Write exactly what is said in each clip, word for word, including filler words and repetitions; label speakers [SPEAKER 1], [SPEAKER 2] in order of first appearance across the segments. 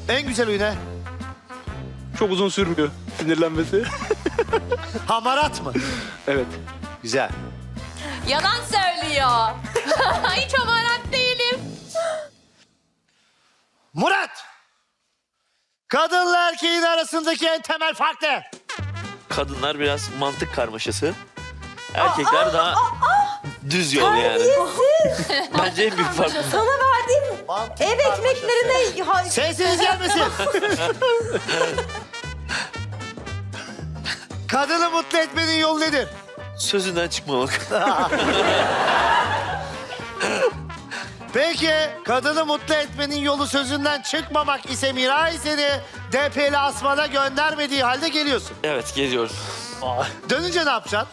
[SPEAKER 1] En güzel huyu ne?
[SPEAKER 2] Çok uzun sürmüyor sinirlenmesi.
[SPEAKER 1] Hamarat mı?
[SPEAKER 2] Evet.
[SPEAKER 1] Güzel.
[SPEAKER 3] Yalan söylüyor. Hiç hamarat değilim.
[SPEAKER 1] Murat! Kadınla erkeğin arasındaki en temel fark ne?
[SPEAKER 4] Kadınlar biraz mantık karmaşası. Erkekler daha düz yol yani. Bence en büyük fark.
[SPEAKER 5] Sana verdiğim
[SPEAKER 1] Mantık
[SPEAKER 5] ev ekmeklerine... Ha-
[SPEAKER 1] Sesiniz gelmesin. Kadını mutlu etmenin yolu nedir?
[SPEAKER 4] Sözünden çıkmamak.
[SPEAKER 1] Peki kadını mutlu etmenin yolu sözünden çıkmamak ise Miray seni D P'li Asman'a göndermediği halde geliyorsun.
[SPEAKER 4] Evet, geliyorum.
[SPEAKER 1] Dönünce ne yapacaksın?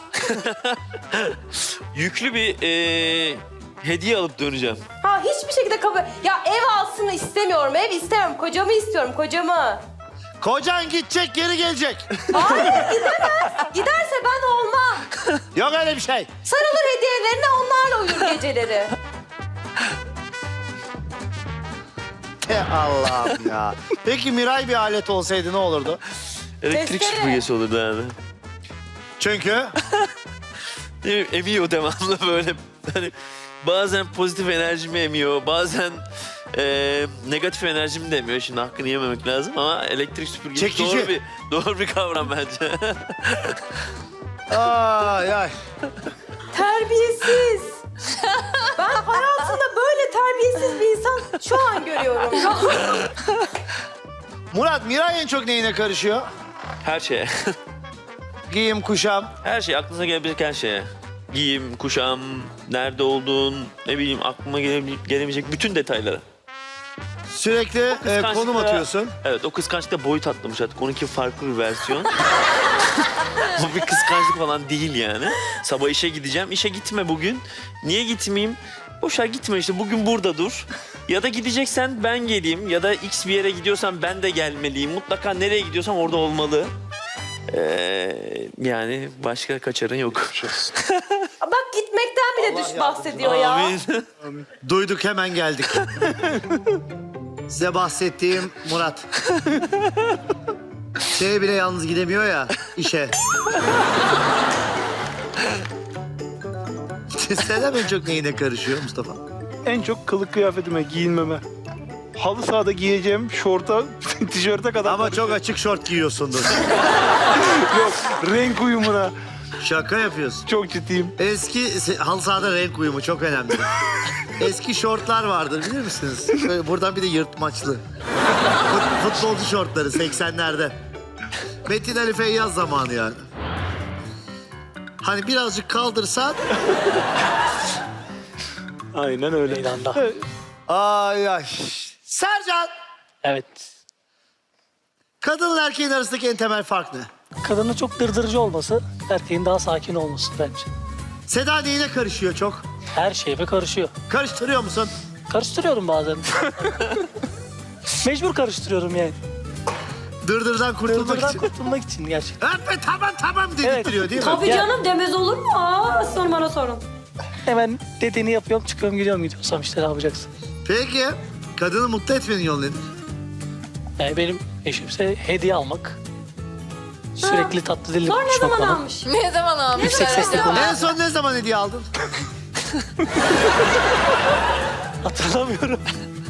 [SPEAKER 4] Yüklü bir eee, hediye alıp döneceğim.
[SPEAKER 5] Ha hiçbir şekilde kabul... Ya ev alsın istemiyorum, ev istemiyorum. Kocamı istiyorum, kocamı.
[SPEAKER 1] Kocan gidecek geri gelecek.
[SPEAKER 5] Hayır gidemez. Giderse ben olmam.
[SPEAKER 1] Yok öyle bir şey.
[SPEAKER 5] Sarılır hediyelerine, onlarla uyur geceleri.
[SPEAKER 1] Te Allah'ım ya. Peki Miray bir alet olsaydı ne olurdu?
[SPEAKER 4] Elektrik
[SPEAKER 5] Testere.
[SPEAKER 4] süpürgesi olurdu yani.
[SPEAKER 1] Çünkü
[SPEAKER 4] Ne bileyim, emiyor devamlı böyle. Hani bazen pozitif enerjimi emiyor, bazen eee, negatif enerjimi de emiyor. Şimdi hakkını yememek lazım ama elektrik süpürgesi
[SPEAKER 1] Çekici.
[SPEAKER 4] doğru bir doğru bir kavram bence.
[SPEAKER 1] ay ay.
[SPEAKER 5] Terbiyesiz. Ben hayatımda böyle terbiyesiz bir insan şu an görüyorum.
[SPEAKER 1] Murat Miray en çok neyine karışıyor?
[SPEAKER 4] Her şeye.
[SPEAKER 1] Giyim, kuşam.
[SPEAKER 4] Her şey aklınıza gelebilecek her şeye. Giyim, kuşam, nerede olduğun, ne bileyim aklıma gele- gelemeyecek bütün detaylara.
[SPEAKER 1] Sürekli e,
[SPEAKER 4] Kıskançlıkta-
[SPEAKER 1] konum atıyorsun.
[SPEAKER 4] Evet, o kıskançlıkta boyut atlamış artık. Onunki farklı bir versiyon. Bu bir kıskançlık falan değil yani. Sabah işe gideceğim. İşe gitme bugün. Niye gitmeyeyim? Boşa gitme işte. Bugün burada dur. Ya da gideceksen ben geleyim. Ya da X bir yere gidiyorsan ben de gelmeliyim. Mutlaka nereye gidiyorsam orada olmalı. Ee, yani başka kaçarın yok.
[SPEAKER 5] Bak gitmekten bile düş bahsediyor ya.
[SPEAKER 4] Amin.
[SPEAKER 1] Duyduk hemen geldik. Size bahsettiğim Murat. Şeye bile yalnız gidemiyor ya işe. Sen en çok neyine karışıyor Mustafa?
[SPEAKER 2] En çok kılık kıyafetime, giyinmeme. Halı sahada giyeceğim şorta, tişörte kadar.
[SPEAKER 1] Ama çok açık şort giyiyorsundur.
[SPEAKER 2] Yok, renk uyumuna.
[SPEAKER 1] Şaka yapıyorsun.
[SPEAKER 2] Çok ciddiyim.
[SPEAKER 1] Eski se- halı sahada renk uyumu çok önemli. Eski şortlar vardır bilir misiniz? Böyle buradan bir de yırtmaçlı. Fut- futbolcu şortları seksenlerde. Metin Ali Feyyaz zamanı yani. Hani birazcık kaldırsan...
[SPEAKER 2] Aynen öyle.
[SPEAKER 6] Meydanda.
[SPEAKER 1] Ay ay. Sercan,
[SPEAKER 6] Evet.
[SPEAKER 1] kadınla erkeğin arasındaki en temel fark ne?
[SPEAKER 6] Kadının çok dırdırıcı olması, erkeğin daha sakin olması bence.
[SPEAKER 1] Seda neyine karışıyor çok?
[SPEAKER 6] Her şeyime karışıyor.
[SPEAKER 1] Karıştırıyor musun?
[SPEAKER 6] Karıştırıyorum bazen. Mecbur karıştırıyorum yani.
[SPEAKER 1] Dırdırdan kurtulmak
[SPEAKER 6] Dırdırdan
[SPEAKER 1] için.
[SPEAKER 6] kurtulmak için gerçekten.
[SPEAKER 1] Öpme tamam tamam dedirtiyor değil mi?
[SPEAKER 5] Tabii
[SPEAKER 6] Ya-
[SPEAKER 5] canım demez olur mu? Aa, sorun bana sorun.
[SPEAKER 6] Hemen dediğini yapıyorum, çıkıyorum, gidiyorum gidiyorsam işte ne yapacaksın?
[SPEAKER 1] Peki, kadını mutlu etmenin yolu nedir?
[SPEAKER 6] Yani benim eşimse hediye almak. Sürekli tatlı dilli
[SPEAKER 5] Sonra ne
[SPEAKER 6] konuşmak
[SPEAKER 5] zaman
[SPEAKER 6] bana.
[SPEAKER 5] almış?
[SPEAKER 3] Ne zaman almışlar
[SPEAKER 6] Yüksek sesle
[SPEAKER 3] acaba?
[SPEAKER 1] En son ne zaman hediye aldın?
[SPEAKER 6] Hatırlamıyorum.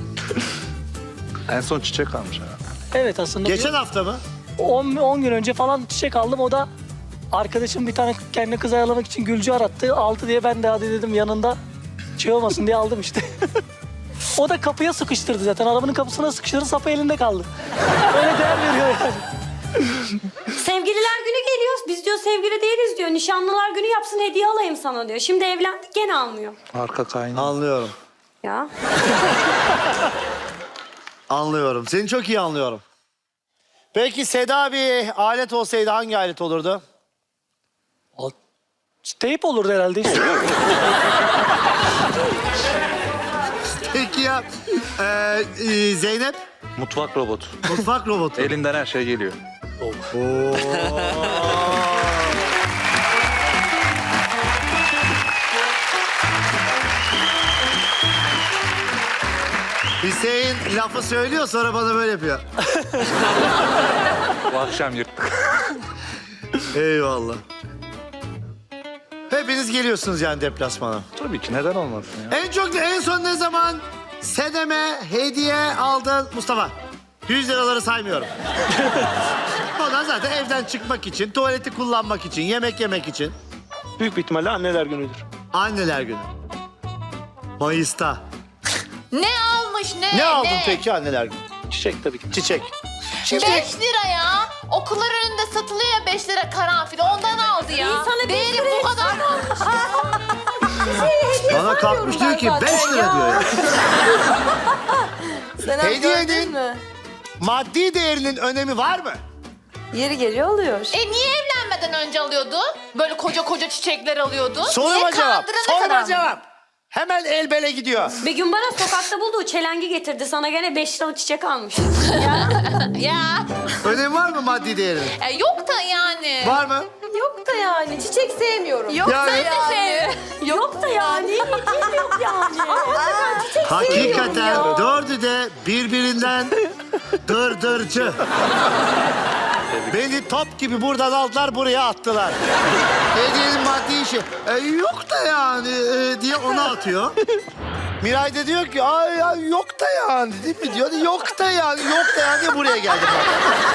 [SPEAKER 2] En son çiçek almış ha.
[SPEAKER 6] Evet aslında
[SPEAKER 1] Geçen hafta mı?
[SPEAKER 6] on gün önce falan çiçek aldım. O da arkadaşım bir tane kendine kız ayarlamak için gülcü arattı. Aldı diye ben de hadi dedim yanında şey olmasın diye aldım işte. O da kapıya sıkıştırdı zaten. Arabanın kapısına sıkıştırdı, sapı elinde kaldı. Öyle değer veriyor yani.
[SPEAKER 5] Sevgililer günü geliyor. Biz diyor sevgili değiliz diyor. Nişanlılar günü yapsın hediye alayım sana diyor. Şimdi evlendik gene almıyor.
[SPEAKER 2] Arka kaynağı.
[SPEAKER 1] Anlıyorum.
[SPEAKER 5] Ya.
[SPEAKER 1] Anlıyorum. Seni çok iyi anlıyorum. Peki Seda bir alet olsaydı hangi alet olurdu?
[SPEAKER 6] O teyp olurdu herhalde işte.
[SPEAKER 1] Peki ya e, e, Zeynep?
[SPEAKER 2] Mutfak robotu.
[SPEAKER 1] Mutfak robotu.
[SPEAKER 2] Elinden her şey geliyor.
[SPEAKER 1] Hüseyin lafı söylüyor sonra bana böyle yapıyor.
[SPEAKER 2] Bu akşam yırttık.
[SPEAKER 1] Eyvallah. Hepiniz geliyorsunuz yani deplasmana.
[SPEAKER 2] Tabii ki neden olmasın ya.
[SPEAKER 1] En çok en son ne zaman Sedem'e hediye aldın Mustafa? yüz liraları saymıyorum. O da zaten evden çıkmak için, tuvaleti kullanmak için, yemek yemek için.
[SPEAKER 2] Büyük bir ihtimalle anneler günüdür.
[SPEAKER 1] Anneler günü. Mayıs'ta.
[SPEAKER 3] Ne almış ne?
[SPEAKER 1] Ne aldın peki anneler günü?
[SPEAKER 2] Çiçek tabii ki.
[SPEAKER 1] Çiçek.
[SPEAKER 3] Beş lira ya. Okullar önünde satılıyor ya beş lira karanfil. Ondan aldı ya.
[SPEAKER 5] İnsana beş
[SPEAKER 3] Değeri
[SPEAKER 5] lira
[SPEAKER 3] bu kadar mı olmuş?
[SPEAKER 1] Bana kalkmış diyor ki beş lira diyor ya.
[SPEAKER 7] Sen
[SPEAKER 1] Hediyenin
[SPEAKER 7] mi?
[SPEAKER 1] maddi değerinin önemi var mı?
[SPEAKER 7] Yeri geliyor oluyor.
[SPEAKER 3] E niye evlenmeden önce alıyordu? Böyle koca koca çiçekler alıyordu.
[SPEAKER 1] Soruma
[SPEAKER 3] Niye
[SPEAKER 1] cevap.
[SPEAKER 3] kandırana kadar
[SPEAKER 1] Soruma
[SPEAKER 3] mı?
[SPEAKER 1] cevap. Hemen el bele gidiyor.
[SPEAKER 5] Bir gün bana sokakta bulduğu çelengi getirdi. Sana gene beş liralık çiçek almış.
[SPEAKER 3] Ya.
[SPEAKER 1] Önemi var mı maddi değerinin?
[SPEAKER 3] E, yok da yani.
[SPEAKER 1] Var mı?
[SPEAKER 7] Yok da yani. Çiçek sevmiyorum.
[SPEAKER 3] Yok
[SPEAKER 1] Yani-
[SPEAKER 3] ben de sevmiyorum.
[SPEAKER 5] Yok da yani. Hediye yok yani.
[SPEAKER 1] Hakikaten dördü de birbirinden dırdırcı. Beni top gibi buradan aldılar buraya attılar. Hediyenin maddi işi. E, yok da yani e, diye ona atıyor. Miray da diyor ki ay, ay yok da yani değil mi diyor. Yok da yani yok da yani diye buraya geldim ben.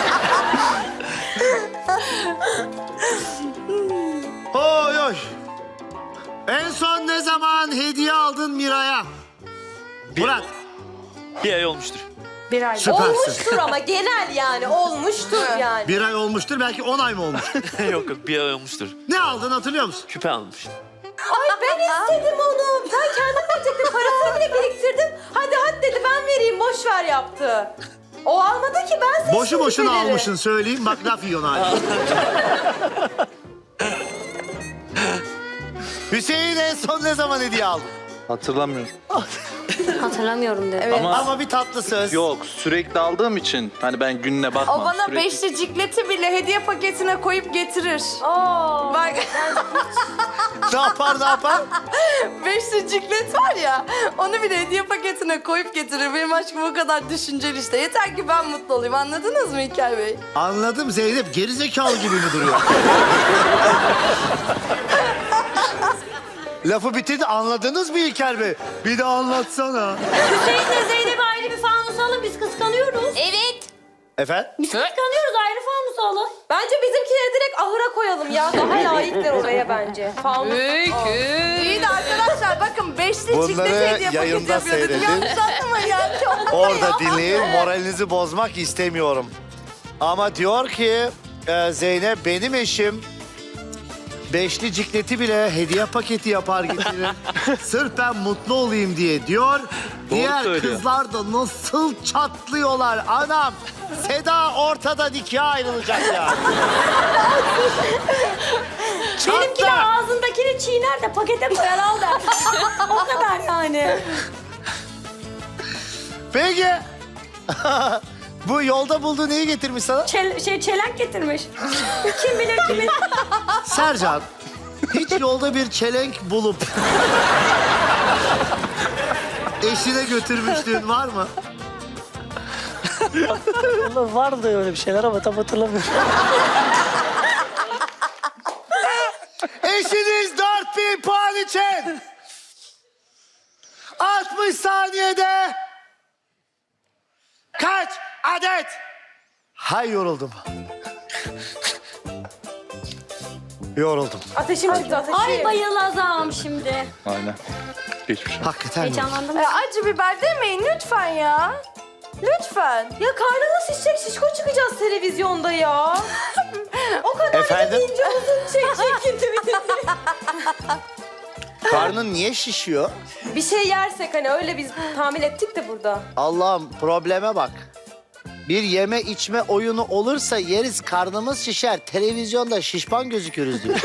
[SPEAKER 1] Oy oy. En son ne zaman hediye aldın Miray'a? Murat.
[SPEAKER 4] Bir ay olmuştur.
[SPEAKER 7] Bir ay.
[SPEAKER 1] Süpersin.
[SPEAKER 7] Olmuştur ama genel yani. Olmuştur yani.
[SPEAKER 1] Bir ay olmuştur belki on ay mı olmuş?
[SPEAKER 4] yok yok bir ay olmuştur.
[SPEAKER 1] Ne aldın hatırlıyor musun?
[SPEAKER 4] Küpe almış.
[SPEAKER 7] Ay ben istedim onu. Ben kendim verecektim. Parasını bile biriktirdim. Hadi hadi dedi ben vereyim boş ver yaptı. O almadı ki ben seçtim
[SPEAKER 1] Boşu boşuna
[SPEAKER 7] küpeleri.
[SPEAKER 1] almışsın söyleyeyim bak laf yiyorsun hala. Hüseyin en son ne zaman hediye aldın?
[SPEAKER 8] Hatırlamıyorum.
[SPEAKER 5] Hatırlamıyorum dedi.
[SPEAKER 8] Ama
[SPEAKER 1] Ama bir tatlı söz.
[SPEAKER 8] yok, sürekli aldığım için hani ben gününe bakmam.
[SPEAKER 9] O bana
[SPEAKER 8] sürekli...
[SPEAKER 9] beşli cikleti bile hediye paketine koyup getirir.
[SPEAKER 7] Oo.
[SPEAKER 9] Bak
[SPEAKER 1] Ne yapar ne yapar?
[SPEAKER 9] beşli ciklet var ya, onu bile hediye paketine koyup getirir. Benim aşkım o kadar düşünceli işte. Yeter ki ben mutlu olayım. Anladınız mı İlker Bey?
[SPEAKER 1] Anladım Zeynep gerizekalı gibi mi duruyor? Lafı bitirdi anladınız mı İlker Bey? Bir de anlatsana.
[SPEAKER 5] Hüseyin'le Zeynep'i ayrı bir fanus alın. Biz kıskanıyoruz.
[SPEAKER 3] Evet.
[SPEAKER 1] Efendim?
[SPEAKER 5] Biz kıskanıyoruz. Ayrı fanus alın.
[SPEAKER 7] Bence bizimkileri direkt ahıra koyalım ya. Daha layıklar oraya bence. Fanus.
[SPEAKER 9] İyi de arkadaşlar bakın beşli
[SPEAKER 1] Bunları
[SPEAKER 9] ciklet hediye paketi
[SPEAKER 1] yayında
[SPEAKER 9] yapıyor dedim.
[SPEAKER 1] seyredin.
[SPEAKER 9] Yanlış anlamayın yani.
[SPEAKER 1] Orada dinleyin moralinizi bozmak istemiyorum. Ama diyor ki e, Zeynep benim eşim beşli cikleti bile hediye paketi yapar getirir. Sırf ben mutlu olayım diye diyor. Diğer
[SPEAKER 4] söylüyor.
[SPEAKER 1] kızlar da nasıl çatlıyorlar anam. Seda ortadan ikiye ayrılacak ya.
[SPEAKER 5] Benimki de
[SPEAKER 1] Çatla.
[SPEAKER 5] ağzındakini çiğner de pakete koyar al der. O kadar yani.
[SPEAKER 1] Peki. Bu yolda bulduğu neyi getirmiş sana?
[SPEAKER 5] Çel, şey çelenk getirmiş. Kim bilir kimin.
[SPEAKER 1] Sercan, hiç yolda bir çelenk bulup eşine götürmüşlüğün var mı?
[SPEAKER 6] Vallahi vardı öyle bir şeyler ama tam hatırlamıyorum.
[SPEAKER 1] Eşiniz dört bin puan için altmış saniyede kaç adet? Hay yoruldum. Yoruldum.
[SPEAKER 7] Ateşim çıktı ateşim.
[SPEAKER 5] Ay bayılacağım şimdi.
[SPEAKER 8] Aynen. Geçmiş olsun.
[SPEAKER 1] Hakikaten yoruldum.
[SPEAKER 5] Heyecanlandım.
[SPEAKER 9] E, acı biber demeyin lütfen ya. Lütfen.
[SPEAKER 7] Ya karnına şişecek şişko çıkacağız televizyonda ya. O kadar
[SPEAKER 1] Efendim?
[SPEAKER 7] ince uzun çekecek gibi.
[SPEAKER 1] Karnın niye şişiyor?
[SPEAKER 7] Bir şey yersek hani öyle biz tahmin ettik de burada.
[SPEAKER 1] Allah'ım probleme bak. Bir yeme içme oyunu olursa yeriz karnımız şişer. Televizyonda şişman gözükürüz diyor.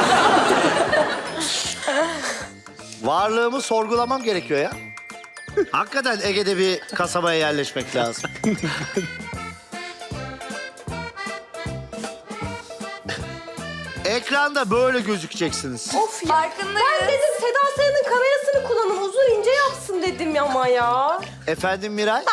[SPEAKER 1] Varlığımı sorgulamam gerekiyor ya. Hakikaten Ege'de bir kasabaya yerleşmek lazım. Ekranda böyle gözükeceksiniz.
[SPEAKER 7] Of ya.
[SPEAKER 9] Farkındayız.
[SPEAKER 7] Ben dedim Seda Sayan'ın kamerasını kullanın uzun ince yapsın dedim ama ya.
[SPEAKER 1] Efendim Miray?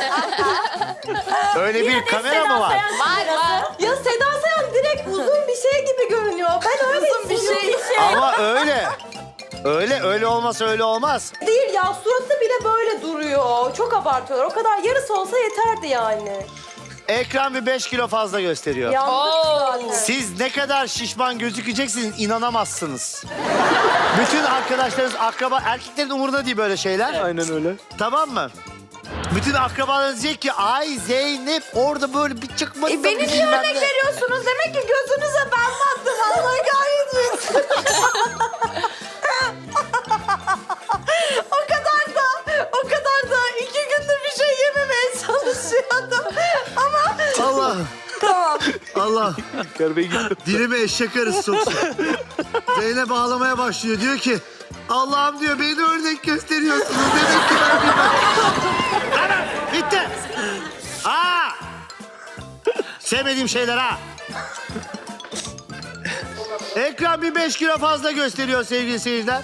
[SPEAKER 1] Öyle bir kamera mı var?
[SPEAKER 3] Var var.
[SPEAKER 7] Ya Seda Sayan direkt uzun bir şey gibi görünüyor. Ben öyle uzun bir şey.
[SPEAKER 1] Ama öyle. Öyle, öyle olmasa öyle olmaz.
[SPEAKER 7] Değil ya, suratı bile böyle duruyor. Çok abartıyorlar. O kadar yarısı olsa yeterdi yani.
[SPEAKER 1] Ekran bir beş kilo fazla gösteriyor.
[SPEAKER 7] Yandık zaten.
[SPEAKER 1] Siz ne kadar şişman gözükeceksiniz inanamazsınız. Bütün arkadaşlarınız, akraba, erkeklerin umurunda değil böyle şeyler.
[SPEAKER 2] Aynen öyle.
[SPEAKER 1] Tamam mı? Bütün akrabalarınız diyecek ki ay Zeynep orada böyle bir çıkmasın.
[SPEAKER 9] E, beni niye örnek veriyorsunuz? Demek ki gözünüze ben baktım. Allah kahretmesin. O kadar da, o kadar da iki gündür bir şey yememeye çalışıyordum. Ama
[SPEAKER 1] Allah,
[SPEAKER 9] tamam.
[SPEAKER 1] Allah.
[SPEAKER 2] İlker Bey gitti.
[SPEAKER 1] Dilime eşek arısı soksun. Zeynep ağlamaya başlıyor. Diyor ki Allah'ım diyor beni örnek gösteriyorsunuz. Demek ki ben bilmem. Tamam bitti. Aa! Sevmediğim şeyler ha. Ekran bir beş kilo fazla gösteriyor sevgili seyirciler.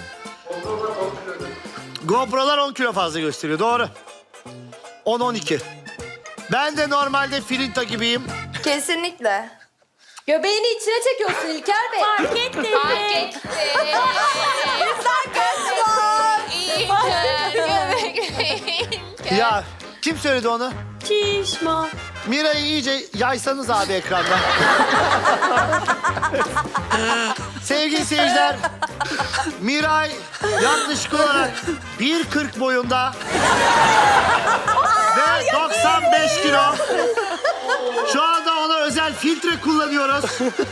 [SPEAKER 1] GoPro'lar on kilo fazla gösteriyor. Doğru. on on iki. Ben de normalde filinta gibiyim.
[SPEAKER 9] Kesinlikle.
[SPEAKER 7] Göbeğini içine çekiyorsun İlker Bey.
[SPEAKER 5] Fark ettim.
[SPEAKER 3] Fark etti.
[SPEAKER 9] Güzel göz var.
[SPEAKER 3] İlker.
[SPEAKER 1] Ya kim söyledi onu?
[SPEAKER 5] Şişman.
[SPEAKER 1] Mira'yı iyice yaysanız abi ekranda. Sevgili seyirciler, Miray yaklaşık olarak bir kırk boyunda ve doksan beş kilo. Şu anda ona özel filtre kullanıyoruz.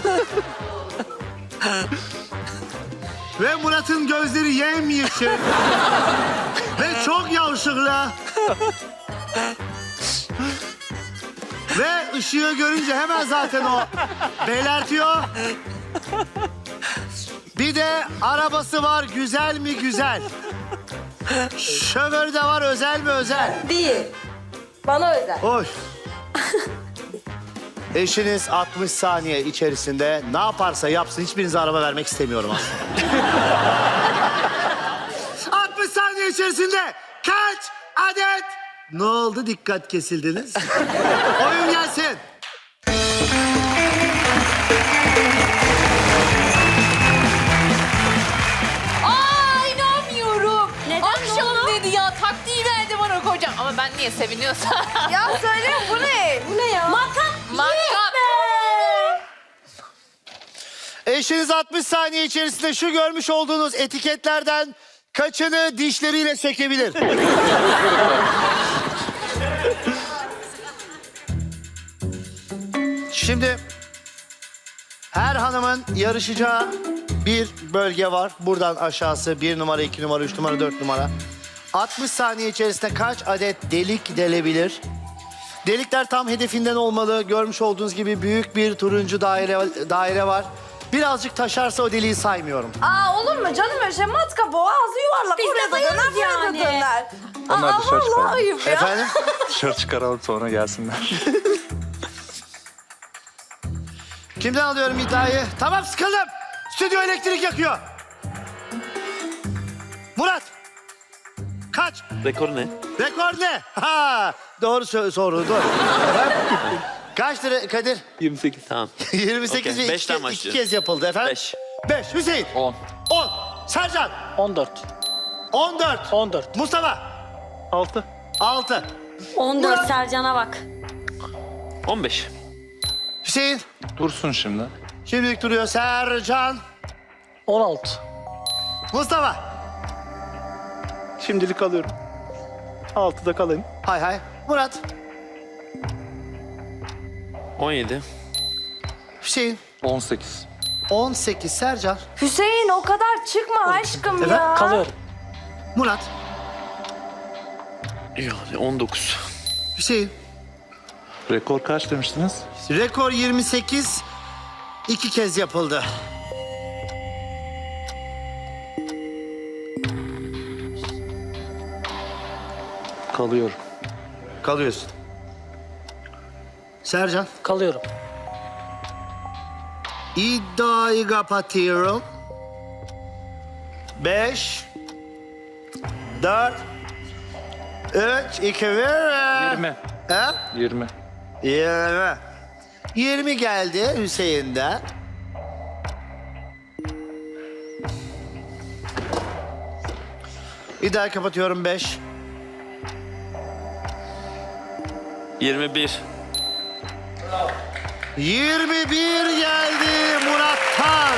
[SPEAKER 1] Ve Murat'ın gözleri yemyeşil ve çok yavşıklı. Ve ışığı görünce hemen zaten o belertiyor. Bir de arabası var, güzel mi güzel. Şoförü de var, özel mi özel.
[SPEAKER 7] Değil. Bana özel.
[SPEAKER 1] Hoş. Eşiniz altmış saniye içerisinde ne yaparsa yapsın hiçbirinize araba vermek istemiyorum aslında. altmış saniye içerisinde kaç adet? Ne oldu dikkat kesildiniz? Oyun gelsin.
[SPEAKER 3] Aa inanmıyorum.
[SPEAKER 5] Neden,
[SPEAKER 3] Akşam
[SPEAKER 5] ne oldu?
[SPEAKER 3] dedi ya taktiği verdi bana kocam. Ama ben niye seviniyorsam.
[SPEAKER 9] Ya söyle bu ne?
[SPEAKER 7] Bu ne ya?
[SPEAKER 5] Matkap.
[SPEAKER 3] Matkap.
[SPEAKER 1] Eşiniz altmış saniye içerisinde şu görmüş olduğunuz etiketlerden kaçını dişleriyle sökebilir? Şimdi her hanımın yarışacağı bir bölge var. Buradan aşağısı bir numara, iki numara, üç numara, dört numara. altmış saniye içerisinde kaç adet delik delebilir? Delikler tam hedefinden olmalı. Görmüş olduğunuz gibi büyük bir turuncu daire daire var. Birazcık taşarsa o deliği saymıyorum.
[SPEAKER 9] Aa olur mu canım öyle şey? Matkap o ağzı yuvarlak.
[SPEAKER 5] Biz de
[SPEAKER 9] Oraya da
[SPEAKER 5] bayılırız
[SPEAKER 9] döner, buraya da
[SPEAKER 5] yani.
[SPEAKER 9] döner.
[SPEAKER 8] Onlar
[SPEAKER 9] Aa
[SPEAKER 8] dışarı
[SPEAKER 9] vallahi
[SPEAKER 8] çıkalım.
[SPEAKER 9] ayıp ya.
[SPEAKER 1] Efendim?
[SPEAKER 8] Dışarı çıkaralım sonra gelsinler.
[SPEAKER 1] Kimden alıyorum iddiayı? Tamam sıkıldım. Stüdyo elektrik yakıyor. Murat. Kaç?
[SPEAKER 4] Rekor ne?
[SPEAKER 1] Rekor ne? Ha, doğru sö- soru doğru. Efendim? Kaçtı re- Kadir?
[SPEAKER 2] yirmi sekiz.
[SPEAKER 4] Tamam.
[SPEAKER 1] yirmi sekiz
[SPEAKER 4] Okey,
[SPEAKER 1] ve
[SPEAKER 4] beşten
[SPEAKER 1] iki, iki
[SPEAKER 4] başlıyoruz.
[SPEAKER 1] kez yapıldı efendim.
[SPEAKER 4] Beş.
[SPEAKER 1] Beş. Hüseyin.
[SPEAKER 8] on.
[SPEAKER 1] On. Sercan.
[SPEAKER 6] on dört.
[SPEAKER 1] On dört.
[SPEAKER 6] on dört.
[SPEAKER 1] Mustafa.
[SPEAKER 2] altı.
[SPEAKER 1] Altı.
[SPEAKER 5] on dört Sercan'a bak.
[SPEAKER 4] on beş.
[SPEAKER 1] Hüseyin.
[SPEAKER 8] Dursun şimdi.
[SPEAKER 1] Şimdilik duruyor. Sercan.
[SPEAKER 6] on altı.
[SPEAKER 1] Mustafa.
[SPEAKER 2] Şimdilik alıyorum. altıda kalayım.
[SPEAKER 1] Hay hay. Murat.
[SPEAKER 4] on yedi.
[SPEAKER 1] Hüseyin.
[SPEAKER 8] on sekiz.
[SPEAKER 1] On sekiz. Sercan.
[SPEAKER 9] Hüseyin o kadar çıkma aşkım
[SPEAKER 1] Evet,
[SPEAKER 9] ya.
[SPEAKER 6] Kalıyorum.
[SPEAKER 1] Murat.
[SPEAKER 4] Yani on dokuz.
[SPEAKER 1] Hüseyin.
[SPEAKER 8] Rekor kaç demiştiniz?
[SPEAKER 1] Rekor yirmi sekiz. İki kez yapıldı.
[SPEAKER 8] Kalıyorum.
[SPEAKER 1] Kalıyorsun. Sercan.
[SPEAKER 6] Kalıyorum.
[SPEAKER 1] İddiayı kapatıyorum. Beş. Dört. Üç, iki, bir.
[SPEAKER 8] Yirmi.
[SPEAKER 1] He?
[SPEAKER 8] Yirmi.
[SPEAKER 1] Yirmi. Yirmi geldi Hüseyin'den. İddiayı kapatıyorum beş.
[SPEAKER 4] yirmi bir.
[SPEAKER 1] yirmi bir geldi Murat'tan.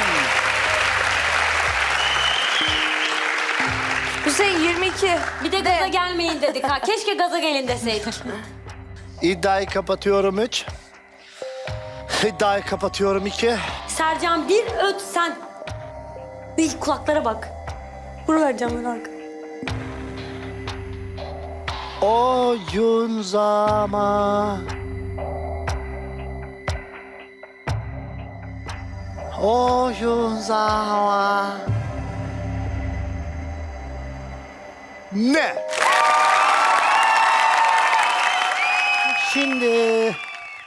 [SPEAKER 7] Hüseyin yirmi iki.
[SPEAKER 5] Bir de gaza gelmeyin dedik ha. Keşke gaza gelin deseydik.
[SPEAKER 1] İddiayı kapatıyorum üç. İddiayı kapatıyorum iki.
[SPEAKER 5] Sercan bir öt sen. Bir kulaklara bak. Buralar camlar arka.
[SPEAKER 1] Oyun zaman. Oyun zaman. Ne? Şimdi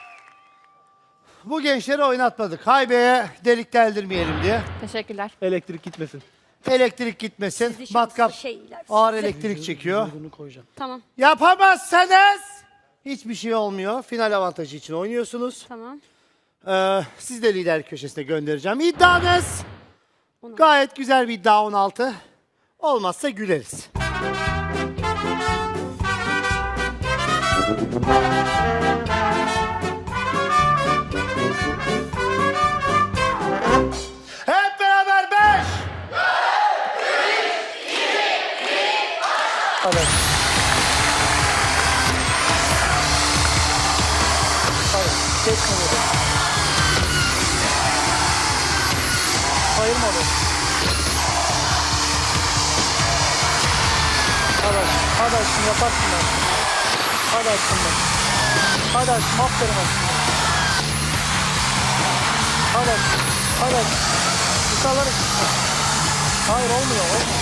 [SPEAKER 1] bu gençleri oynatmadık. Haybeye delik deldirmeyelim diye.
[SPEAKER 3] Teşekkürler.
[SPEAKER 2] Elektrik gitmesin.
[SPEAKER 1] Elektrik gitmesin.
[SPEAKER 5] Sizi şanslı
[SPEAKER 1] Matkap
[SPEAKER 5] şeyler.
[SPEAKER 1] ağır elektrik çekiyor.
[SPEAKER 2] Bunu koyacağım.
[SPEAKER 5] Tamam,
[SPEAKER 1] Yapamazsanız hiçbir şey olmuyor. Final avantajı için oynuyorsunuz.
[SPEAKER 5] tamam.
[SPEAKER 1] Ee, siz de lider köşesine göndereceğim. İddianız gayet güzel bir iddia on altı. Olmazsa güleriz. Hep beraber beş.
[SPEAKER 6] Hadi. Hadi. Tek kamera. Ayırma be. Hadi aşkım, hadi aşkım yaparsın ben. Hadi aşkım ben. Hadi aşkım, aferin aşkım. Hadi aşkım, hadi aşkım. Yukarıları. Hayır olmuyor, olmuyor.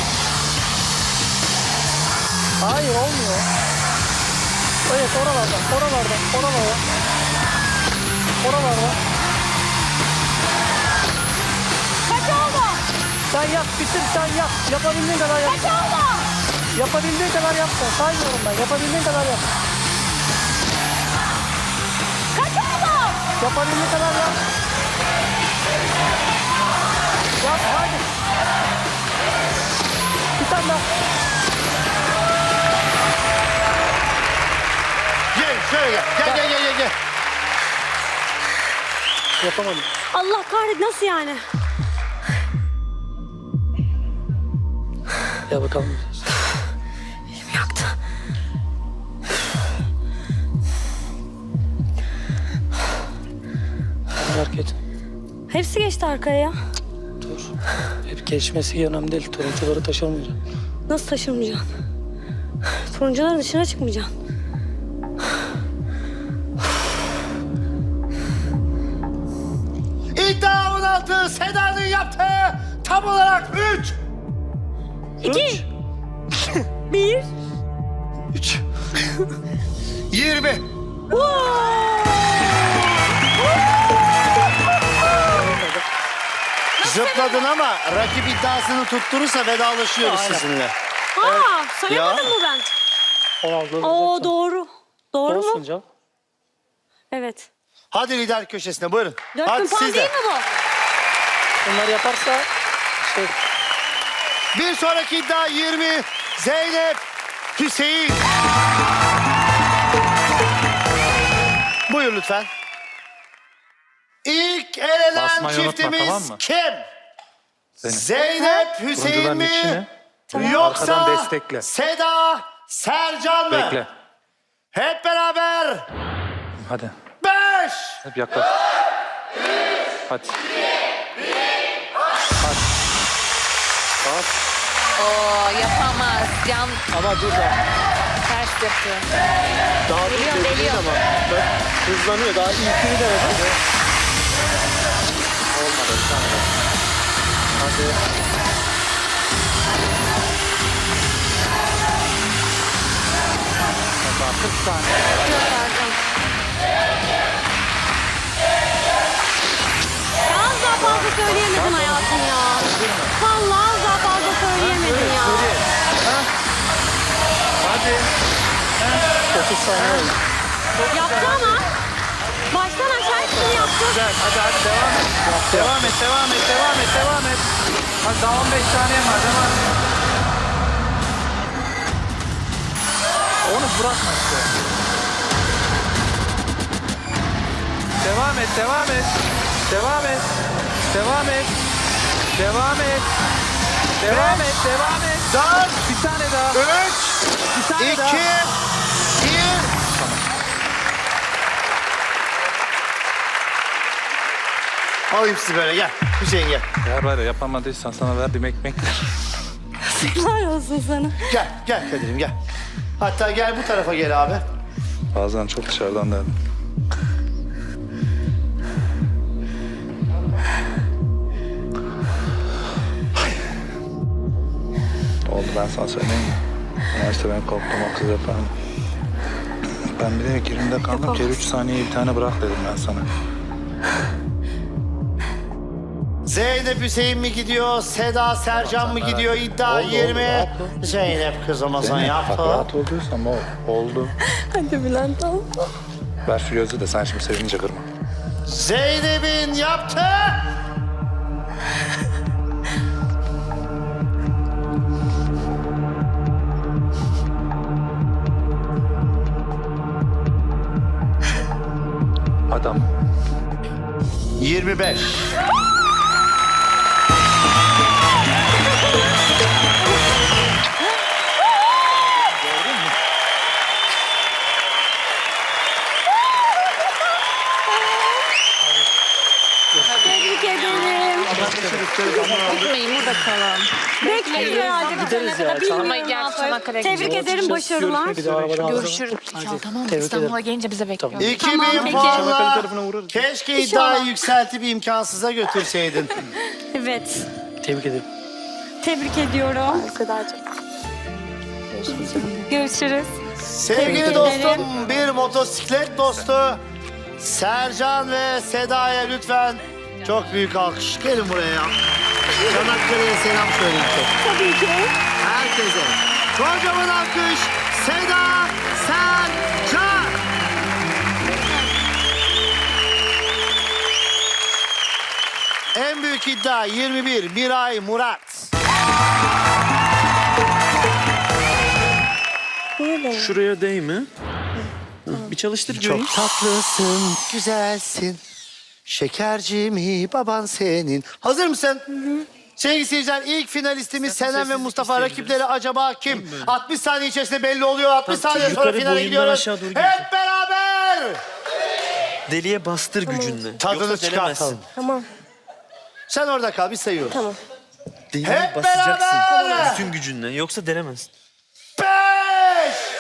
[SPEAKER 6] Hayır olmuyor. Evet oralardan, oralardan, oralardan. Oralardan.
[SPEAKER 5] Kaç oldu?
[SPEAKER 6] Sen yap, bitir sen yap. Yapabildiğin kadar yap.
[SPEAKER 5] Kaç oldu?
[SPEAKER 6] Yapabildiğin kadar yap sen. Saymıyorum ben. Yapabildiğin kadar yap.
[SPEAKER 5] Kaç oldu?
[SPEAKER 6] Yapabildiğin kadar yap. Yap hadi. Bir tane daha.
[SPEAKER 1] Gel şöyle gel. Gel gel gel gel. gel.
[SPEAKER 6] Yapamadım.
[SPEAKER 5] Allah kahret nasıl yani?
[SPEAKER 6] Ya bakalım.
[SPEAKER 5] Elim yaktı.
[SPEAKER 6] Merak et.
[SPEAKER 5] Hepsi geçti arkaya ya.
[SPEAKER 6] Dur. Hep geçmesi önemli değil. Turuncuları taşırmayacağım.
[SPEAKER 5] Nasıl taşırmayacaksın? Turuncuların dışına çıkmayacaksın.
[SPEAKER 1] İddia on altı Seda'nın yaptığı tam olarak üç.
[SPEAKER 5] İki. Bir.
[SPEAKER 1] üç. yirmi. Zıpladın ama rakip iddiasını tutturursa vedalaşıyoruz sizinle.
[SPEAKER 5] Aa, sayamadım
[SPEAKER 1] Ya.
[SPEAKER 5] mı ben?
[SPEAKER 6] on altı.
[SPEAKER 5] Oo doğru. Doğru
[SPEAKER 6] Olsun
[SPEAKER 5] mu?
[SPEAKER 6] canım.
[SPEAKER 5] Evet.
[SPEAKER 1] Hadi lider köşesine buyurun.
[SPEAKER 5] Dört
[SPEAKER 1] Hadi
[SPEAKER 5] bin puan
[SPEAKER 1] siz de.
[SPEAKER 5] değil mi bu?
[SPEAKER 6] Bunlar yaparsa şey,
[SPEAKER 1] Bir sonraki iddia yirmi. Zeynep, Hüseyin. Buyur lütfen. İlk elenen
[SPEAKER 8] Basmayı unutma,
[SPEAKER 1] çiftimiz
[SPEAKER 8] tamam mı?
[SPEAKER 1] kim?
[SPEAKER 8] Zeynep.
[SPEAKER 1] Zeynep, Hüseyin
[SPEAKER 8] Turuncuların
[SPEAKER 1] mi?
[SPEAKER 8] içine.
[SPEAKER 1] Yoksa
[SPEAKER 8] Arkadan destekle.
[SPEAKER 1] Seda, Sercan mı?
[SPEAKER 8] Bekle.
[SPEAKER 1] Hep beraber.
[SPEAKER 8] Hadi.
[SPEAKER 1] Beş.
[SPEAKER 8] Hep yaklaş. Hadi.
[SPEAKER 3] Oo yapamaz. Can
[SPEAKER 1] Ama dur da.
[SPEAKER 3] ters yapıyor.
[SPEAKER 1] Daha
[SPEAKER 3] Geliyor,
[SPEAKER 1] bir
[SPEAKER 3] geliyor.
[SPEAKER 1] ama. Bak, hızlanıyor. Daha ilkini denedim.
[SPEAKER 8] Olmadı. Tamam. Hadi. Bak, kırk saniye.
[SPEAKER 5] Ya az daha fazla söyleyemedin hayatım ya. Vallahi az daha fazla söyleyemedin ya.
[SPEAKER 8] Hadi.
[SPEAKER 6] kırk saniye oldu.
[SPEAKER 5] Yaptı ama. Baştan aşağı hepsini yaptı.
[SPEAKER 8] Güzel. Hadi hadi devam et. Devam et, devam et, devam et, devam et. Hadi daha on beş saniye var, devam et. Onu bırakma işte. Devam et, devam et. Devam et. Devam et. Devam et. Devam et, devam et.
[SPEAKER 1] Dört,
[SPEAKER 8] Bir tane daha.
[SPEAKER 1] üç,
[SPEAKER 8] Bir tane
[SPEAKER 1] iki,
[SPEAKER 8] daha.
[SPEAKER 1] bir. Alayım sizi böyle gel. Hüseyin gel.
[SPEAKER 8] Eğer var ya yapamadıysan sana verdiğim ekmekler.
[SPEAKER 7] Helal olsun sana.
[SPEAKER 1] Gel, gel Kadir'im gel. Hatta gel bu tarafa gel abi.
[SPEAKER 8] Bazen çok dışarıdan derdim. Oldu, ben sana söyleyeyim mi? Üniversite ben korktum, o kız yapar mı? Ben bir de girimde kaldım. Kere üç saniye bir tane bırak dedim ben sana.
[SPEAKER 1] Zeynep Hüseyin mi gidiyor, Seda Sercan mı gidiyor? İddia
[SPEAKER 8] Oldu,
[SPEAKER 1] yirmi.
[SPEAKER 8] oldu, oldu.
[SPEAKER 1] Zeynep kızımızın
[SPEAKER 8] Zeynep, bak
[SPEAKER 1] yaptı.
[SPEAKER 8] rahat olduysam o oldu.
[SPEAKER 7] Hadi Bülent al.
[SPEAKER 8] Ver şu gözü de sen şimdi sevince kırma.
[SPEAKER 1] Zeynep'in yaptı.
[SPEAKER 8] Adam.
[SPEAKER 1] yirmi beş.
[SPEAKER 5] Tebrik ederim.
[SPEAKER 3] Gitmeyin burada kalalım.
[SPEAKER 5] Bekleriz herhalde.
[SPEAKER 6] Gideriz ya. Çanakkale-
[SPEAKER 3] Ama gel Çanakkale'ye
[SPEAKER 5] Tebrik ederim, başarılar.
[SPEAKER 6] Bir de arabadan
[SPEAKER 3] Görüşürüz. Ya, tamam mı?
[SPEAKER 6] Tebrik
[SPEAKER 3] İstanbul'a
[SPEAKER 6] ederim.
[SPEAKER 3] gelince bize bekliyor.
[SPEAKER 1] iki
[SPEAKER 5] Tamam,
[SPEAKER 1] bin
[SPEAKER 5] peki.
[SPEAKER 6] Çanakkale
[SPEAKER 1] puanla
[SPEAKER 6] tarafına uğrarız.
[SPEAKER 1] keşke iddiayı yükseltip imkansıza götürseydin.
[SPEAKER 5] Evet.
[SPEAKER 6] Tebrik ederim.
[SPEAKER 5] Tebrik ediyorum.
[SPEAKER 7] Sedacığım.
[SPEAKER 5] Görüşürüz.
[SPEAKER 1] Sevgili
[SPEAKER 5] Tebrik
[SPEAKER 1] dostum,
[SPEAKER 5] ederim.
[SPEAKER 1] bir motosiklet dostu Sercan ve Seda'ya lütfen çok büyük alkış. Gelin buraya. Çanakkale'ye selam söyleyin çok.
[SPEAKER 5] Tabii ki.
[SPEAKER 1] Herkese. Kocaman alkış. Seda Sercan. En büyük iddia yirmi bir. Miray Murat.
[SPEAKER 4] Şuraya değme. Bir çalıştır göreyim.
[SPEAKER 1] Çok tatlısın, güzelsin. Şekerci mi baban senin? Hazır mısın? Hı hı. Sevgili seyirciler, ilk finalistimiz Senem ve Mustafa. Rakipleri acaba kim? altmış saniye içerisinde belli oluyor. altmış saniye sonra
[SPEAKER 4] yukarı
[SPEAKER 1] finale
[SPEAKER 4] boyundan
[SPEAKER 1] gidiyoruz.
[SPEAKER 4] aşağı doğru
[SPEAKER 1] Hep
[SPEAKER 4] gidiyorsun.
[SPEAKER 1] beraber
[SPEAKER 4] Deliye bastır gücünle.
[SPEAKER 1] tadını
[SPEAKER 4] Yoksa
[SPEAKER 1] çıkartalım.
[SPEAKER 4] delemezsin.
[SPEAKER 7] Tamam.
[SPEAKER 1] Sen orada kal, biz sayıyoruz.
[SPEAKER 7] Tamam.
[SPEAKER 4] Deliye
[SPEAKER 1] Hep
[SPEAKER 4] basacaksın.
[SPEAKER 1] beraber.
[SPEAKER 4] Bütün gücünle. Yoksa delemezsin.
[SPEAKER 1] Beş,